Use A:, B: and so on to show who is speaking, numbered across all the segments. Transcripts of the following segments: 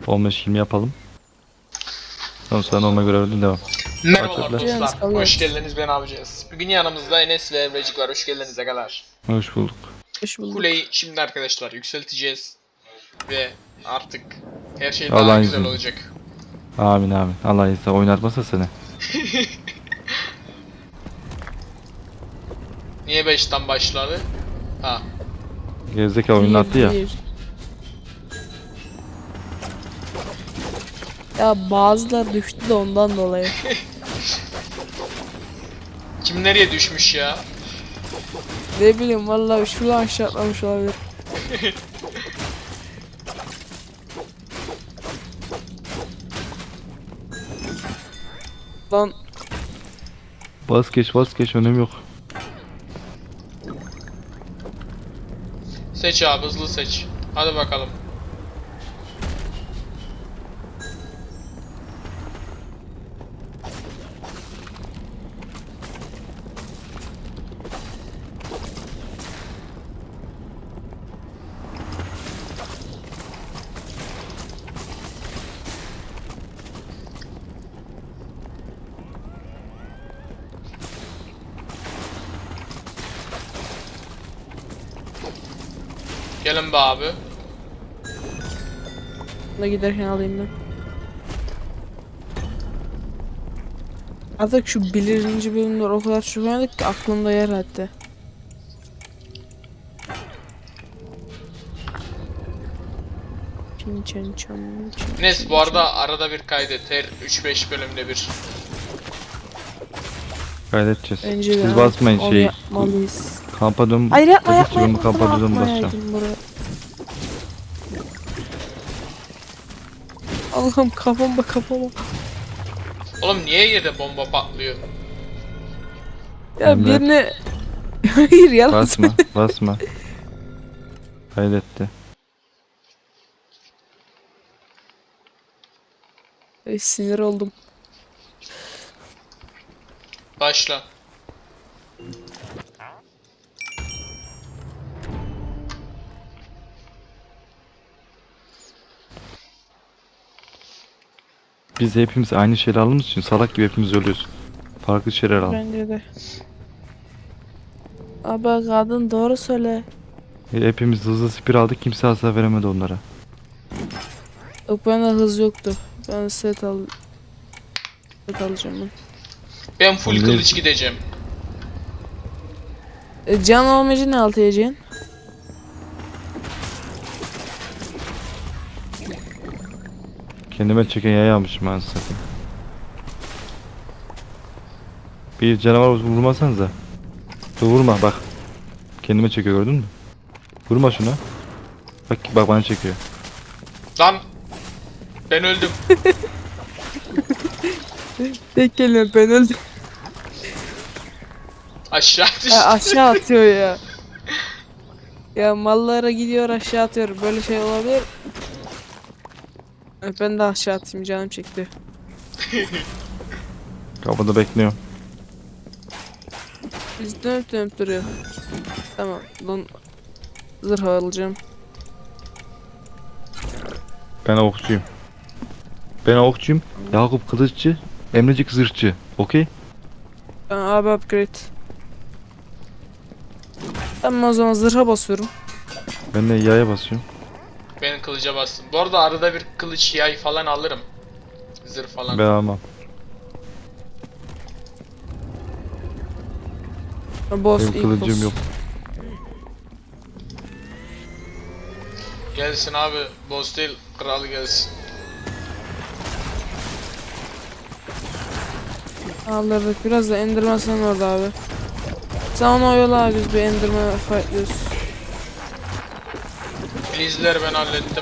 A: 15-20 yapalım. Sonra normal görevden devam.
B: Merhabalar
A: Başladılar.
B: dostlar, hoş geldiniz, ben yapacağız. Bugün yanımızda Enes ve Emrecik var, hoş geldiniz agalar.
A: Hoş bulduk.
C: Hoş bulduk.
B: Kuleyi şimdi arkadaşlar yükselteceğiz. Ve artık her şey
A: Allah'ın
B: daha güzel
A: izniyle.
B: olacak.
A: Amin amin. Allah izniyle oynatmasa seni.
B: Niye 5'ten başladı? Ha.
A: Gerizekalı oynattı ya.
C: Bir. Ya bazıları düştü de ondan dolayı.
B: Kim nereye düşmüş ya?
C: Ne bileyim vallahi şuradan aşağı atlamış olabilir. Lan
A: Bas geç önemi yok.
B: Seç abi, hızlı seç. Hadi bakalım. Gelin be abi.
C: da giderken alayım ben. Artık şu birinci bölümler o kadar çok oynadık ki aklımda yer etti.
B: Enes bu arada arada bir kaydet, her 3-5 bölümde bir.
A: Kaydedeceğiz.
C: Bence de
A: Siz basmayın
C: onu
A: şey.
C: yapmalıyız.
A: Kampa dön.
C: Hayır yapma
A: Öbür
C: yapma
A: türlü
C: yapma.
A: kampa dön basacağım.
C: Atmayaydım buraya. Allah'ım kafama.
B: Oğlum niye yerde bomba patlıyor?
C: Ya
A: Emre.
C: birine... Hayır yalan
A: Basma basma. Kaydetti.
C: Ay, sinir oldum.
B: Başla.
A: Biz hepimiz aynı şeyleri aldığımız için salak gibi hepimiz ölüyoruz. Farklı şeyler al.
C: Bence de. Abi kadın doğru söyle.
A: Hepimiz hızlı spir aldık, kimse hasar veremedi onlara.
C: Yok bende hız yoktu. Ben set alacağım ben.
B: Ben full
A: Oğlum,
B: kılıç gideceğim.
C: Can olmayınca ne altı yiyeceksin?
A: Kendime çeken yayı almışım ben zaten. Bir canavar vurmasanıza. Dur vurma bak. Kendime çekiyor gördün mü? Vurma şuna. Bak bana çekiyor.
B: Lan! Ben öldüm.
C: Tek kelime ben öldüm.
B: Aşağı düştüm.
C: Aşağı atıyor ya. Ya mallara gidiyor aşağı atıyor. Böyle şey olabilir. Ben de aşağı atayım canım çekti.
A: Kapıda bekliyor.
C: Biz dönüp duruyor. Tamam. Lan zırh alacağım.
A: Ben okçuyum. Yakup kılıççı. Emrecik zırhçı. Okey?
C: Ben abi upgrade. Tamam o zaman zırha basıyorum.
A: Ben de yaya basıyorum.
B: Ben kılıca bastım. Bu arada arada bir kılıç yay falan alırım. Zırh falan.
A: Ben almam.
C: Boss
A: Benim
C: ilk
A: kılıcım
C: boss.
A: yok.
B: Gelsin abi. Boss değil, kral gelsin.
C: Alırdık biraz da Enderman sen orada abi. Sen onu oyala biz bir Enderman fightlıyoruz.
B: Blizleri ben hallettim.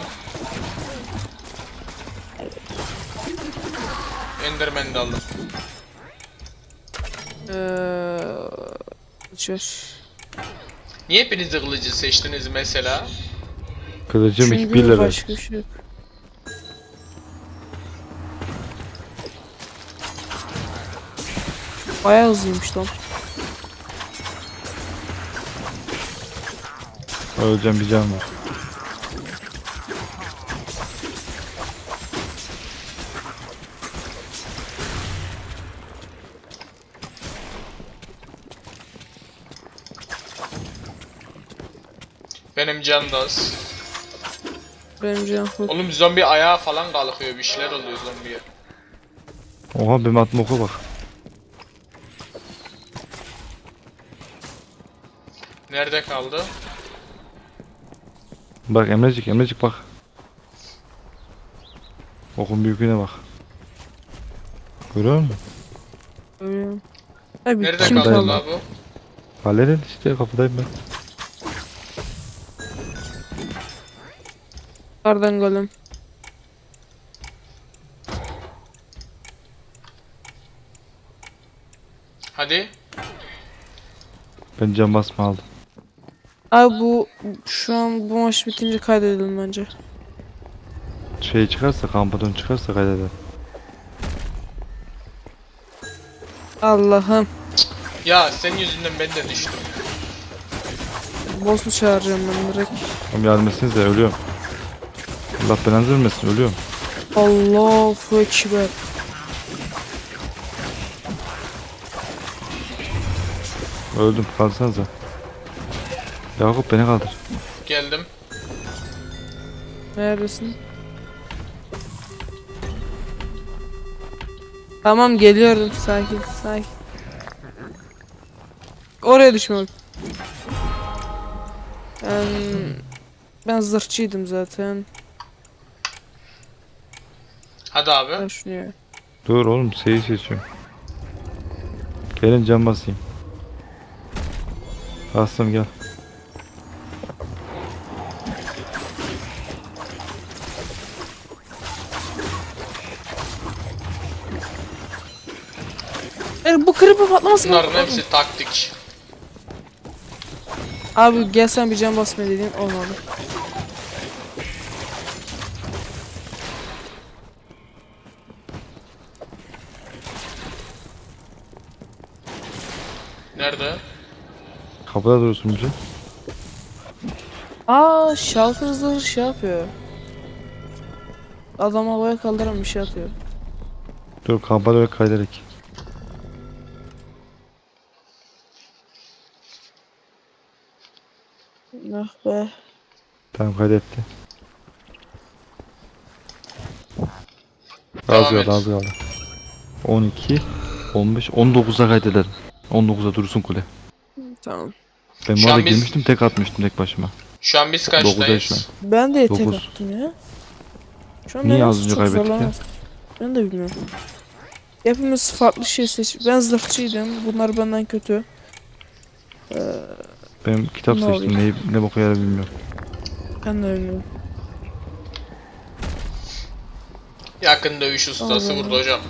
B: Enderman'i de aldım.
C: Uçuyor.
B: Niye hepiniz de kılıcı seçtiniz mesela?
A: Kılıcım
C: Çünkü
A: 1 level.
C: başka bir şey yok. Bayağı hızlıymış lan.
A: Öleceğim bir can var.
B: Benim can da az.
C: Benim canım full.
B: Oğlum zombi ayağa falan kalkıyor, bir şeyler oluyor zombiye.
A: Oha benim attım oku bak.
B: Nerede kaldı?
A: Bak Emrecik bak. Okun büyüklüğüne bak. Görüyor musun?
C: Ölüyorum. Abi
B: Nerede
C: kim
B: kaldı
C: kaldı?
B: la bu?
A: Halledin işte kapıdayım ben.
C: Kardan golem.
B: Hadi.
A: Ben cam basma aldım.
C: Abi bu şu an bu maç bitince kaydedelim bence.
A: Şey çıkarsa kampadon çıkarsa kaydeder.
C: Allah'ım.
B: Ya senin yüzünden ben de düştüm.
C: Boss'u çağıracağım ben direkt.
A: Oğlum yardım etsenize ölüyorum. Allah belanızı vermesin ölüyorum.
C: Allahu Ekber.
A: Öldüm kalsanıza. Yakup beni kaldır.
B: Geldim.
C: Neredesin? Tamam geliyorum, sakin sakin. Oraya düşme bak. Ben zırhçıydım zaten.
B: Hadi abi.
C: Ben şunu ya.
A: Dur oğlum şeyi seçiyorum. Gelin cam basayım. Bastım gel.
C: Bu creeper patlamasın.
B: Bunların hepsi taktik.
C: Abi gel sen bir can basma dediğin olmadı.
B: Nerede?
A: Kapıda durursun bizi.
C: Shulker zırhı şey yapıyor. Adam havaya kaldıran bir şey atıyor.
A: Dur kampada ve kayderek.
C: Ah be.
A: Tamam kaydetti. Az
B: Devam
A: kaldı
B: et.
A: az kaldı. 12, 15, 19'a kaydedelim. 19'a dursun kule.
C: Tamam.
A: Ben
B: Şu
A: bu arada
B: an biz-
A: girmiştim tek atmıştım tek başıma.
B: Şu an biz
A: 9'dayız şu an.
B: kaçtayız?
C: Ben de tek
A: 9.
C: attım ya. Şu an
A: Niye
C: benim
A: az önce
C: çok
A: kaybettik ya?
C: zorlamaz. Ben de bilmiyorum. Hepimiz farklı şey seç. Ben zırhçıydım. Bunlar benden kötü.
A: Ben kitap
C: Ne
A: seçtim ne boku yarar bilmiyorum.
C: Ben de bilmiyorum.
B: Yakın dövüş ustası
C: Allah.
B: vurdu hocam.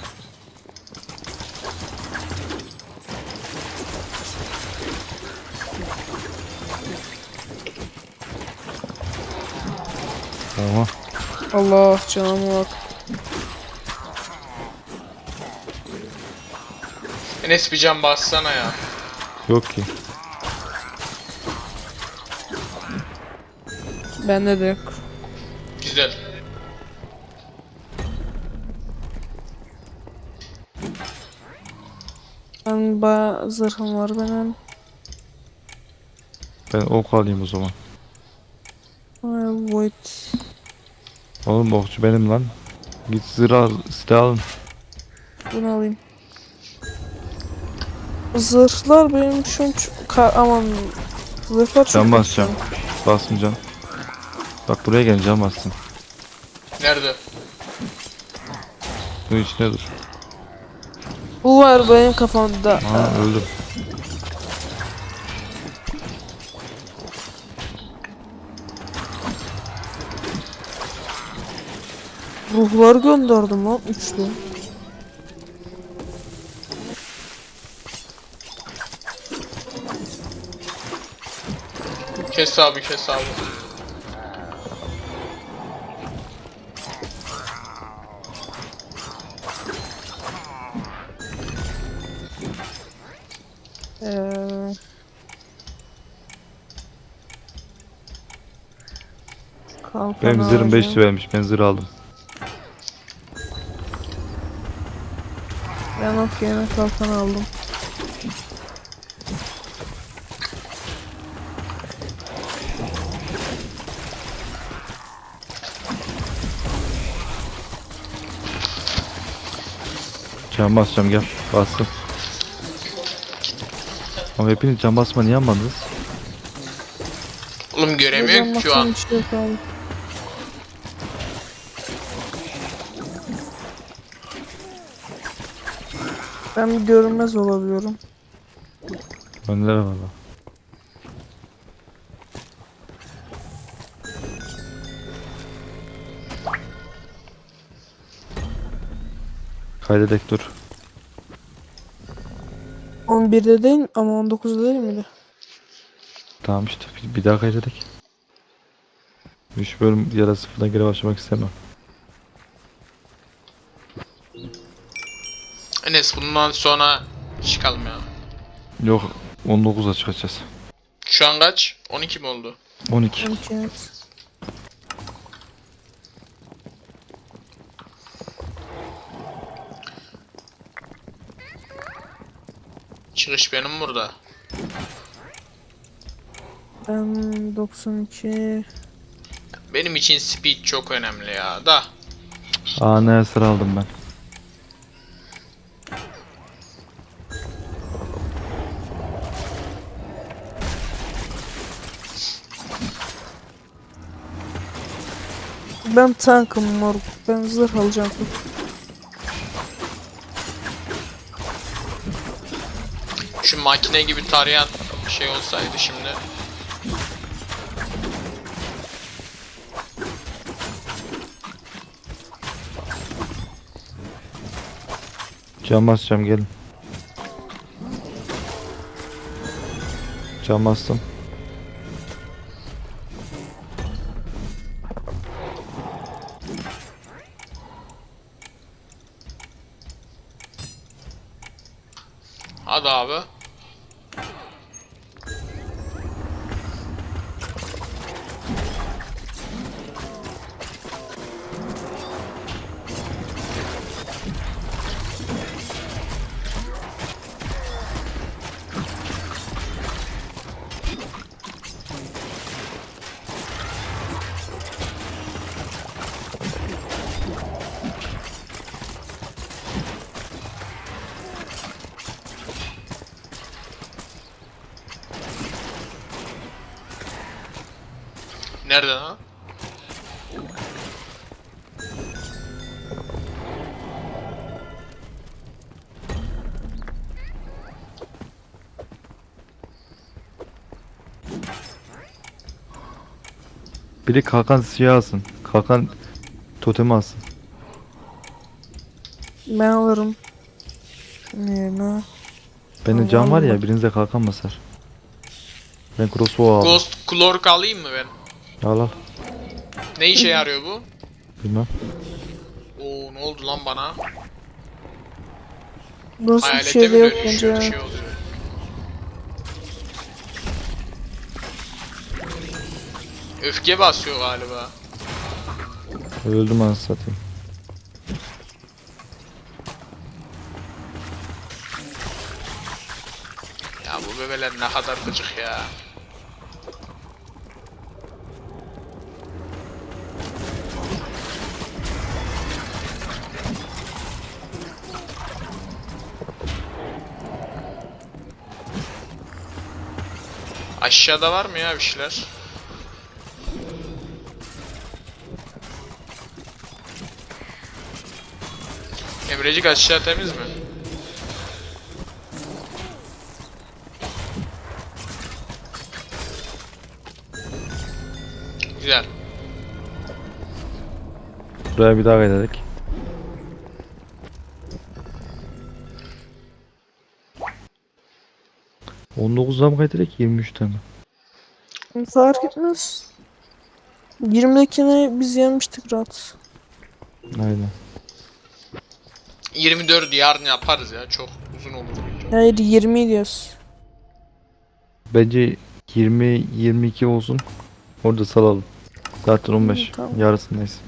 A: Oha.
C: Allah canıma bak.
B: Enes bir can bassana ya.
A: Yok ki.
C: Bende de yok.
B: Güzel.
C: Ben bayağı zırhım var benim.
A: Ben ok alayım o zaman.
C: Void.
A: Oğlum okçu benim lan. Git silah alın.
C: Bunu alayım. Zırhlar benim şu an aman zırhlar çok
A: Can
C: kötü.
A: basacağım. Basmayacağım. Bak buraya gel can bassın.
B: Nerede?
A: Bunun içine dur.
C: Bu var benim kafamda.
A: Aa öldüm.
C: Ruhlar gönderdim lan üçlü.
B: Kes abi kes abi.
C: Kalkan
A: Benim zırhım 5
C: alacağım.
A: vermiş. Ben zırh aldım.
C: Ben ok yerine kalkan aldım.
A: Can basacağım gel. Bastım. Ama hepiniz can basma niye almadınız?
B: Oğlum göremiyorum ki şu an.
C: Bir şey yok abi. Ben bir görünmez olabiliyorum.
A: Önlere valla. Kaydedek dur.
C: 11'de değil ama 19'da değil miydi?
A: Tamam işte bir daha kaydedek. 3 bölüm ya da sıfırdan geri başlamak istemem.
B: Enes bundan sonra çıkalım ya.
A: Yok 19'a çıkacağız.
B: Şu an kaç? 12 mi oldu?
A: 12.
C: 12 evet.
B: Çıkış benim burada.
C: Ben 92.
B: Benim için speed çok önemli ya. Da.
A: Aa ne sıra aldım ben.
C: Ben tankım moruk. Ben zırh alacağım.
B: Şu makine gibi tarayan bir şey olsaydı şimdi.
A: Can basacağım gelin. Can bastım.
B: Hadi abi. Nerede lan?
A: Biri kalkan siyah alsın. Kalkan totemi alsın.
C: Ben alırım. Şunun yerine.
A: Bende can var ya
C: Vallahi.
A: birinize kalkan basar. Ben crossbow aldım.
B: Ghost Clork alayım mı ben?
A: Al al.
B: Ne işe yarıyor bu?
A: Bilmem.
B: Oo ne oldu lan bana?
C: Burası bir
B: Hayalete
C: şey
B: mi
C: de yok
B: dönüşüyor
C: bence.
B: bir şey oluyor. Öfke basıyor galiba.
A: Öldüm anasını satayım.
B: Ya bu bebeler ne kadar gıcık ya. Aşağıda var mı ya bir şeyler? Emrecik aşağı temiz mi? Güzel.
A: Buraya bir daha kaydedik. ...19'da mı kaydedik 23'te mi?
C: Fark etmez. 20'dekini biz yenmiştik rahat.
A: Aynen.
B: 24 yarın yaparız ya. Çok uzun olur video.
C: Hayır 20 diyoruz.
A: Bence 20-22 olsun. Orada salalım. Zaten 15.
C: Tamam.
A: Yarısındayız.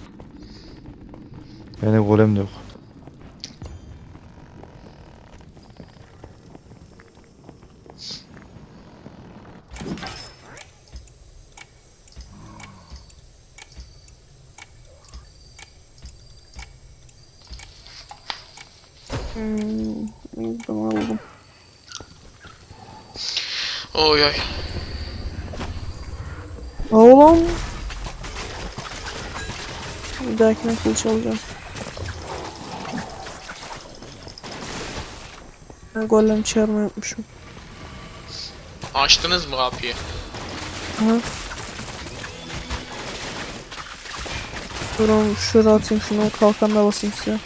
A: Yani golem de yok.
C: Tamam aldım.
B: Oy oy.
C: Oğlum. Bir dahakine kılıç alacağım. Ben golem çağırmayı unutmuşum.
B: Açtınız mı kapıyı?
C: Aha. Durun şuraya atayım şunu, kalkanla basayım size.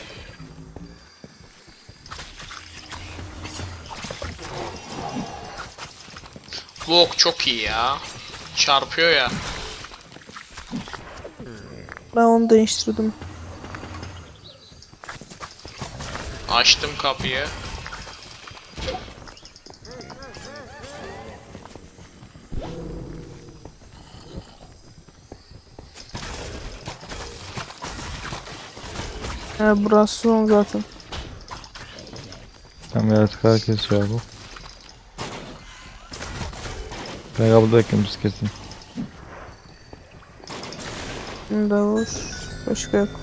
B: Bu ok çok iyi ya. Çarpıyor ya.
C: Ben onu değiştirdim.
B: Açtım kapıyı.
C: Burası son zaten.
A: Tamam yaratıklar kesiyor bu. Ben kapıda bekliyorum biz kesin.
C: Bunda var. Başka yok.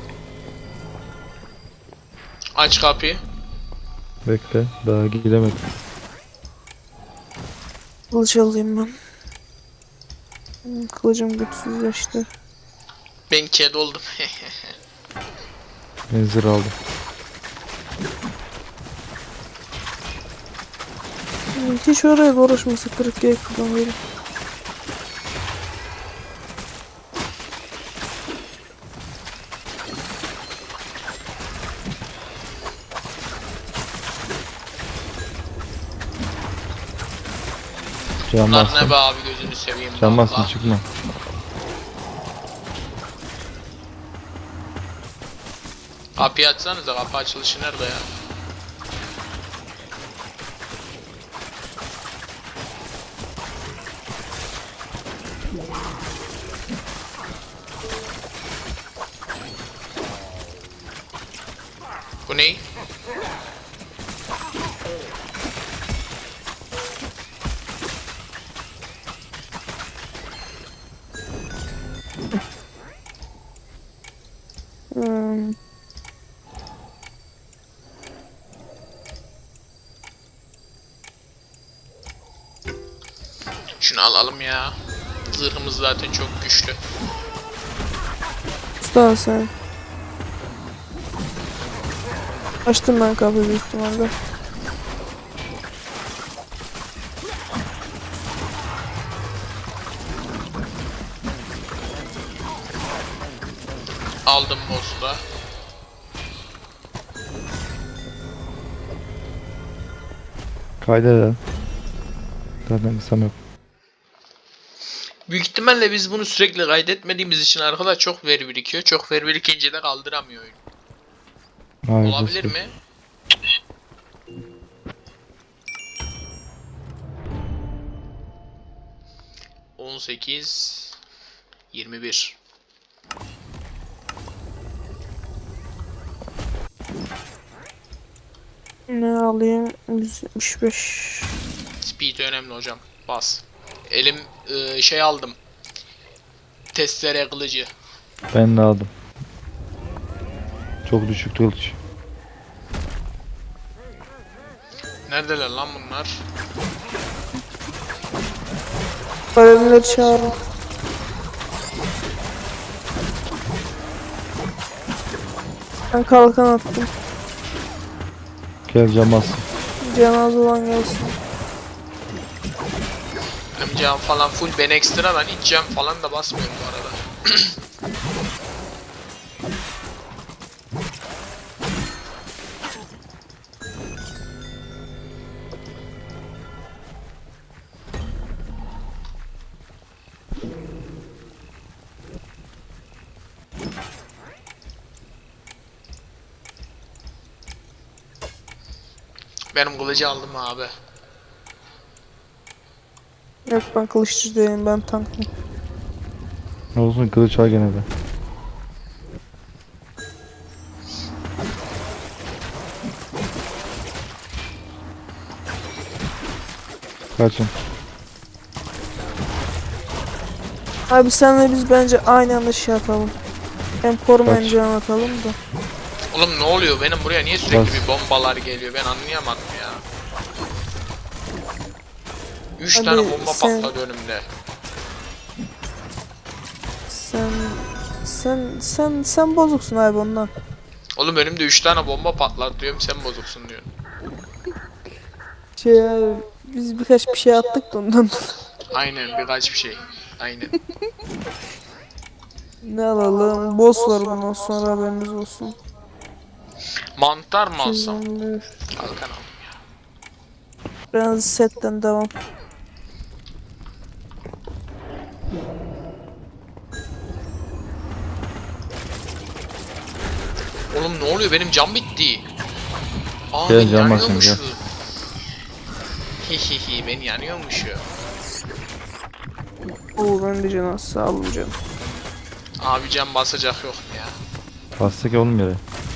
B: Aç kapıyı.
A: Bekle daha gidemedim.
C: Kılıç alayım ben. Kılıcım güçsüzleşti.
B: Ben kedi oldum.
A: Ben zırh aldım.
C: Hiç oraya uğraşması 40 G kullanıyorum.
A: Can
B: Bunlar
A: bastım.
B: ne be abi, gözünü seveyim.
A: Can bastım
B: vallahi.
A: çıkma.
B: Kapıyı açsanıza, kapı açılışı nerede ya? Bu ne?
C: Hmm.
B: Şunu alalım ya. Zırhımız zaten çok güçlü.
C: Usta sen. Açtım ben kapıyı büyük ihtimalle.
B: Aldım boss'u da.
A: Kaydedelim. Zaten kısam yok.
B: Büyük ihtimalle biz bunu sürekli kaydetmediğimiz için arkadaşlar çok veri birikiyor. Çok veri birikince de kaldıramıyor oyun.
A: Hayır,
B: Olabilir
A: nasıl?
B: mi? ...18... ...21...
C: Ne alayım? 175.
B: Speed önemli hocam. Bas. Elim şey aldım. Testere kılıcı.
A: Ben de aldım. Çok düşük kılıç.
B: Neredeler lan bunlar?
C: Kalemleri çağırın. Ben kalkan attım.
A: Gel can bastım.
C: Cenaze olan gelsin.
B: Benim cam falan full. Ben ekstradan hiç cam falan da basmıyorum bu arada. Benim kılıcı aldım abi.
C: Yok ben kılıççı değilim, ben tankım.
A: Ne olsun kılıç al gene de. Kaçın.
C: Abi senle biz bence aynı anda şey atalım. Hem korumayın
A: Kaç.
C: can atalım da.
B: Oğlum ne oluyor? Benim buraya niye sürekli
A: Bas.
B: bir bombalar geliyor? Ben anlayamadım ya. 3
C: Hadi
B: tane bomba
C: sen-
B: patladı önümde.
C: Sen bozuksun abi ondan.
B: Oğlum önümde 3 tane bomba patladı diyorum, sen bozuksun diyorsun.
C: Şey abi, biz birkaç bir şey attık da ondan.
B: Aynen, birkaç bir şey. Aynen.
C: Ne alalım? Boss var bundan sonra, haberiniz olsun.
B: Mantar mı alsam?
C: Çizimler.
B: Kalkan al.
C: Biraz setten devam.
B: Oğlum ne oluyor? Benim cam bitti. Aa,
A: Gel,
B: ben
A: cam basın,
B: yanıyormuşum.
A: gel.
B: Hihihi, ben yanıyormuşum.
C: Oo, ben de canım, sağ olun canım.
B: Abi cam basacak yok mu ya?
A: Bastık ya oğlum yere.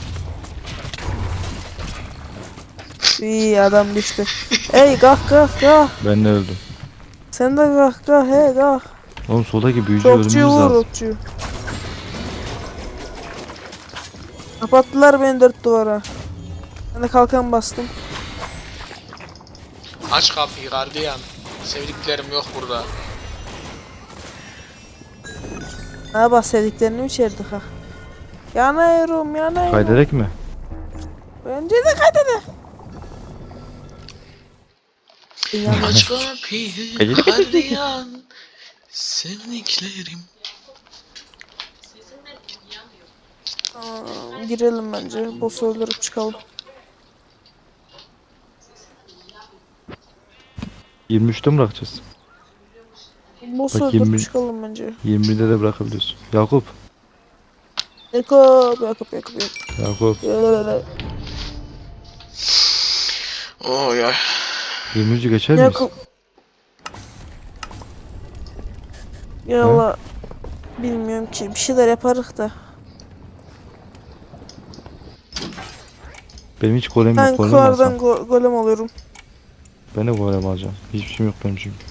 C: İyi adam düştü. Ey kalk kalk kalk.
A: Ben de öldüm.
C: Sen de kalk kalk, he kalk.
A: Oğlum soldaki büyücü ölmemiz
C: Okçuyu vur,
A: lazım.
C: okçuyu. Kapattılar beni 4 duvara. Ben de kalkan bastım.
B: Aç kapıyı gardiyan. Sevdiklerim yok burada.
C: Ne bahsediklerini mi içerdik ha? Yanıyorum yanıyorum.
A: Kaydederek mi?
C: Bence de kaydede.
B: Aç kapıyı
A: Peki.
B: gardiyan. Sevdiklerim.
C: Girelim bence. Boss'u öldürüp çıkalım.
A: 23'te mi bırakacağız?
C: Boss'u
A: Bak,
C: öldürüp
A: 20
C: çıkalım bence.
A: 21'de de bırakabiliyorsun. Yakup.
C: Yakup.
A: Yakup.
B: Oy ay.
A: 23'ü geçer miyiz?
C: Yakup. Ya valla bilmiyorum ki, bir şeyler yaparız da.
A: Benim hiç golem
C: Ben
A: yok. Golem mi
C: kuardan
A: alsam?
C: golem alıyorum.
A: Ben de golem alacağım. Hiçbir şeyim yok benim çünkü.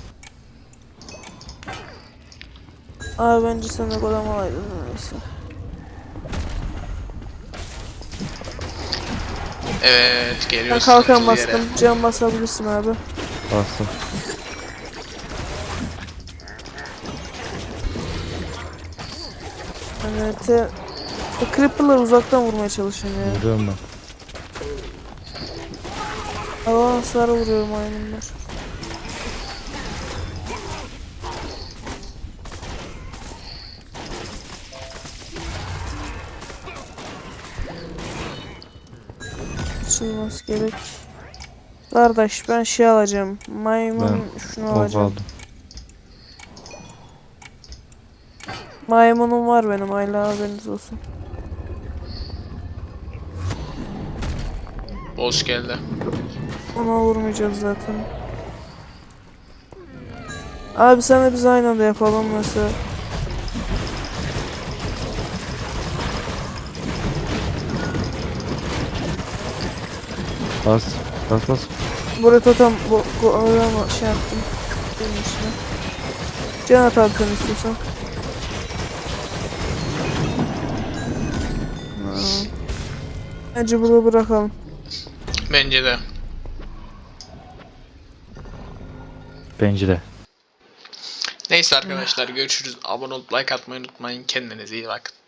C: Abi bence sen de golem alaydın neyse.
B: Evet,
C: Ben
B: geliyoruz.
C: kalkan
B: sıkıntılı yere.
C: bastım. Can basabilirsin abi.
A: Bastım.
C: Evet. Bu creeper'ları uzaktan vurmaya çalışıyorum ya.
A: Vuruyorum ben.
C: Hava hasarı vuruyor maymunlar. Açılması gerek. Kardeş ben şey alacağım. Maymun şunu
A: Ok
C: alacağım.
A: aldım.
C: Maymunum var benim, hala haberiniz olsun.
B: Boss geldi.
C: Ona vurmayacağız zaten. Abi sen de biz aynı anda yapalım mesela.
A: Bas. Bas.
C: Buraya totem ama şey yaptım. Benim içine. Can at abi sen istiyorsan. Bence burada bırakalım.
B: Bence de.
A: Bence de.
B: Neyse arkadaşlar, görüşürüz. Abone olup like atmayı unutmayın. Kendinize iyi bakın.